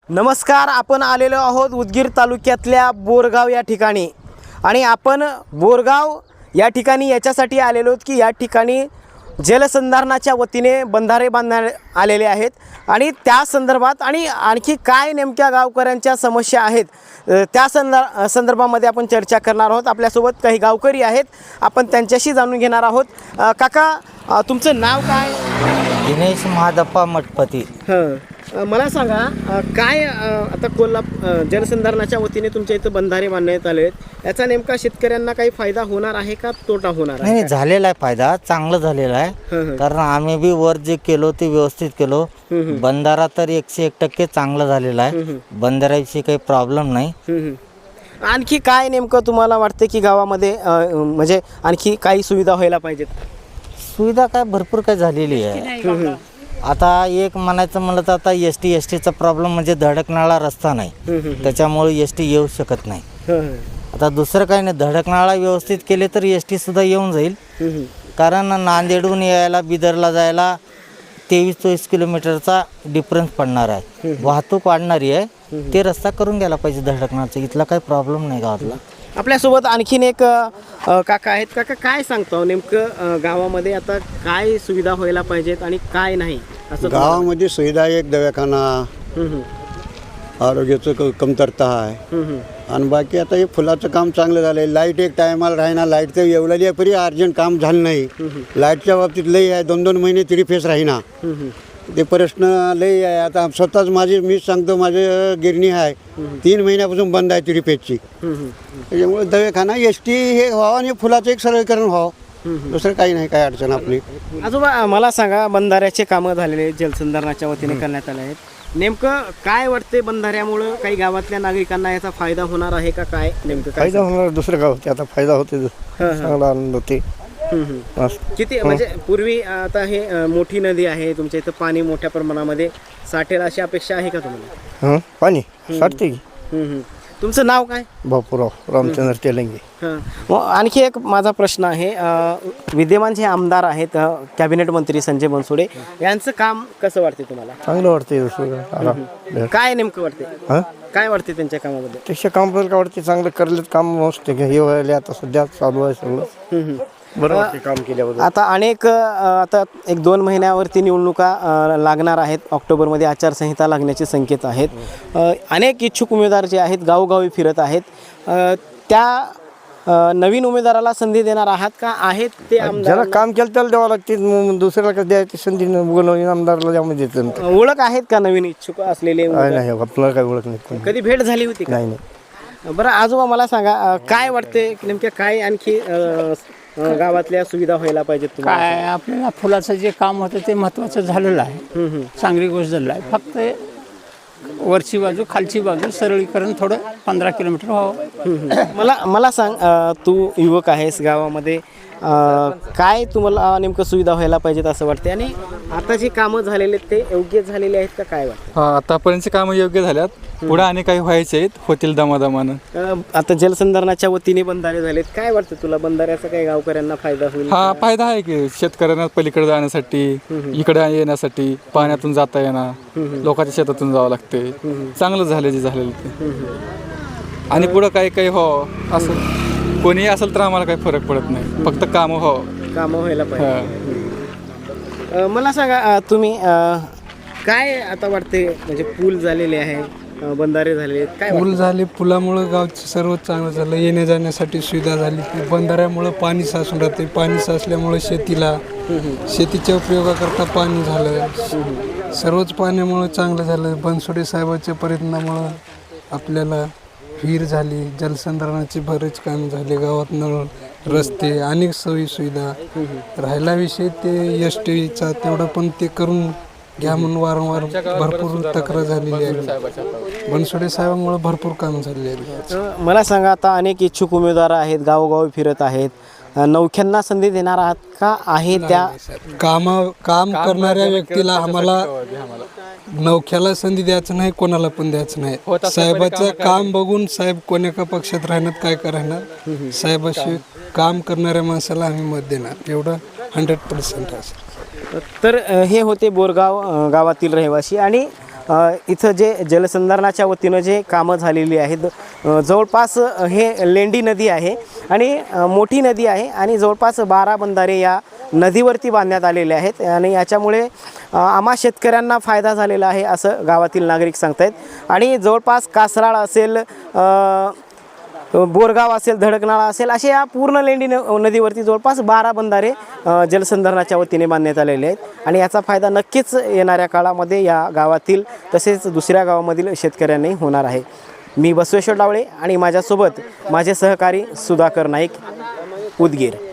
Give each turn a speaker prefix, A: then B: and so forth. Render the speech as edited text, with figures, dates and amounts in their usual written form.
A: नमस्कार, आपण आलेलो आहोत उदगीर तालुक्यातल्या बोरगाव या ठिकाणी आणि आपण बोरगाव या ठिकाणी याच्यासाठी आलेलो आहोत की या ठिकाणी जलसंधारणाच्या वतीने बंधारे बांधण्यात आलेले आहेत आणि त्या संदर्भात आणि आणखी काय नेमक्या गावकऱ्यांच्या समस्या आहेत त्या संदर्भामध्ये आपण चर्चा करणार आहोत। आपल्यासोबत काही गावकरी आहेत, आपण त्यांच्याशी जाणून घेणार आहोत। काका, तुमचं नाव काय?
B: दिनेश महादप्पा मठपती।
A: मला सांगा, काय आता जलसंधारणाच्या वतीने तुमच्या इथं बंधारे बांधण्यात आले आहेत, याचा नेमका शेतकऱ्यांना काही फायदा होणार आहे का तोटा होणार आहे?
B: नाही, झालेला आहे फायदा, चांगला झालेला आहे। कारण आम्ही बी वर जे केलो ते व्यवस्थित केलो। बंधारा तर 101% चांगला झालेला आहे, बंधाऱ्याविषयी काही प्रॉब्लेम नाही।
A: आणखी काय नेमकं तुम्हाला वाटतं की गावामध्ये म्हणजे आणखी काही सुविधा व्हायला पाहिजेत?
B: सुविधा काय भरपूर काय झालेली आहे। आता एक म्हणायचं म्हणलं तर आता एस टीचा प्रॉब्लेम म्हणजे धडकणारा रस्ता नाही, त्याच्यामुळे एस टी येऊ शकत नाही। आता दुसरं काही नाही, धडकणारा व्यवस्थित केले तर एस टी सुद्धा येऊन जाईल। कारण नांदेडहून यायला बिदरला जायला 23-24 किलोमीटरचा डिफरन्स पडणार आहे, वाहतूक वाढणारी आहे, ते रस्ता करून घ्यायला पाहिजे धडकणारचा। इथला काही प्रॉब्लेम नाही गावातला।
A: आपल्यासोबत आणखीन एक काका आहेत। काका, काय सांगतो नेमकं गावामध्ये आता काय सुविधा व्हायला पाहिजेत आणि काय नाही असं?
C: गावामध्ये सुविधा एक दवाखाना, आरोग्याचं कमतरता आहे आणि बाकी आता हे फुलाचं काम चांगलं झालं आहे। लाईट एक टायमाला राहीना, लाईटचं एवढं परी अर्जंट काम झालं नाही। लाईटच्या बाबतीत लई आहे, 2-2 महिने तरी फेस राहीना, ते प्रश्न लई आहे। आता स्वतःच मीच सांगतो, माझे गिरणी आहे 3 महिन्यापासून बंद आहे तिरीपेचची, त्याच्यामुळे दवाखाना एस टी हे व्हावं आणि फुलाचं एक सरळीकरण व्हावं, दुसरं काही नाही, काय अडचण आपली।
A: आजोबा, मला सांगा, बंधाऱ्याचे कामं झालेले जलसंधारणाच्या वतीने करण्यात आले आहेत, नेमकं काय वाटते बंधाऱ्यामुळं काही गावातल्या नागरिकांना याचा फायदा होणार आहे का? काय नेमकं
D: फायदा होणार? दुसरं गाव आता फायदा होते, चांगला आनंद होते।
A: किती म्हणजे पूर्वी आता हे मोठी नदी आहे, तुमच्या इथं पाणी मोठ्या प्रमाणामध्ये साठेल अशी अपेक्षा आहे का तुम्हाला?
D: पाणी साठते की।
A: तुमचं नाव काय?
D: बापूराव रामचंद्र तेलंगे।
A: आणखी एक माझा प्रश्न आहे, विद्यमान जे आमदार आहेत, कॅबिनेट मंत्री संजय बनसोडे, यांचं काम कसं वाटते तुम्हाला?
D: चांगलं वाटते।
A: काय नेमकं वाटते? काय वाटते त्यांच्या कामाबद्दल?
D: त्याच्या कामाबद्दल काय वाटते? चांगलं करलेत काम, मस्त हे व्हायला आता सध्या चालू आहे सगळं, बरं वाटते काम केल्याबद्दल।
A: आता आता 1-2 महिन्यावरती निवडणुका लागणार आहेत, ऑक्टोबरमध्ये आचारसंहिता लागण्याचे संकेत आहेत। अनेक इच्छुक उमेदवार जे आहेत गावोगावी फिरत आहेत, त्या नवीन उमेदवाराला संधी देणार आहात का? आहेत ते आमदार
D: ज्याला काम केलं त्याला द्यावं लागते, दुसऱ्याला कसं द्यायची संधी? नवीन आमदारला त्यामध्ये देत
A: ओळख आहेत का नवीन इच्छुक असलेले?
D: नाही, आपल्याला काही ओळख नाही।
A: कधी भेट झाली होती का?
D: नाही।
A: बरं आजोबा, मला सांगा, काय वाटते नेमक्या काय आणखी गावातल्या सुविधा व्हायला पाहिजेत तुम्हाला?
E: काय आपल्याला फुलाचं जे काम होतं ते महत्त्वाचं झालेलं आहे, चांगली गोष्ट झालेली आहे। फक्त वरची बाजू खालची बाजू सरळीकरण थोडं 15 किलोमीटर व्हावं।
A: मला सांग, तू युवक आहेस, गावामध्ये काय तुम्हाला नेमकं सुविधा व्हायला पाहिजेत असं वाटते आणि आता जे कामं झालेले ते योग्य झालेले आहेत का? काय वाटतं?
F: आतापर्यंतची कामं योग्य झाल्यात, पुढे आणि काही व्हायचे आहेत, होतील दमादमानं।
A: आता जलसंधारणाच्या वतीने बंधारे झालेत, काय वाटतं तुला? बंधाऱ्याचा काही गावकऱ्यांना फायदा होईल?
F: हा फायदा आहे की, शेतकऱ्यांना पलीकडे जाण्यासाठी, इकडे येण्यासाठी पाण्यातून जाता येणार, लोकांच्या शेतातून जावं लागते, चांगलं झालं जे झालेलं ते। आणि पुढं काही हो असं कोणी असेल तर आम्हाला काही फरक पडत नाही, फक्त कामं
A: व्हायला पाहिजे। मला सांगा, तुम्ही काय आता वाटते, म्हणजे पूल झालेले आहे, बंधारे झाले, काय
G: पूल झाले, पुलामुळं गावचं सर्वच चांगलं झालं, येण्या जाण्यासाठी सुविधा झाली। बंधाऱ्यामुळं पाणी साचून राहते, पाणी साचल्यामुळे शेतीच्या उपयोगाकरता पाणी झालं, सर्वच पाण्यामुळं चांगलं झालं। बनसोडे साहेबांच्या प्रयत्नामुळं आपल्याला विहीर झाली, जलसंधारणाचे बरेच काम झाले, गावात नळ, रस्ते, अनेक सोयी सुविधा। राहिला विषय ते एस टीचा, तेवढं पण ते करून घ्या म्हणून वारंवार भरपूर तक्रार झालेली आहे। बनसोडे साहेबांमुळे भरपूर काम झालेले आहे।
A: मला सांगा, आता अनेक इच्छुक उमेदवार आहेत, गावोगावी फिरत आहेत, नवख्यांना संधी देणार आहात का? आहे त्या
G: काम करणाऱ्या व्यक्तीला आम्हाला नवख्याला संधी द्यायचं नाही, कोणाला पण द्यायचं नाही। साहेबाचं काम बघून साहेब कोण्या पक्षात राहणार, काय करणार, साहेबाशी काम करणाऱ्या माणसाला आम्ही मत देणार, एवढं 100% असेल।
A: तर हे होते बोरगाव गावातील रहिवासी आणि इथं जे जलसंधारणाच्या वतीनं जे कामं झालेली आहेत, जवळपास हे लेंडी नदी आहे आणि मोठी नदी आहे आणि जवळपास 12 बंधारे या नदीवरती बांधण्यात आलेले आहेत आणि याच्यामुळे आम्हा शेतकऱ्यांना फायदा झालेला आहे असं गावातील नागरिक सांगतायत. आणि जवळपास कासराळ असेल, बोरगाव असेल, धडकनाळा असेल, असे या पूर्ण लेंडी नदीवरती जवळपास 12 बंधारे जलसंधारणाच्या वतीने बांधण्यात आलेले आहेत आणि याचा फायदा नक्कीच येणाऱ्या काळामध्ये या गावातील तसेच दुसऱ्या गावामधील शेतकऱ्यांनाही होणार आहे. मी बसवेश्वर डावळे आणि माझ्यासोबत माझे सहकारी सुधाकर नाईक, उदगीर.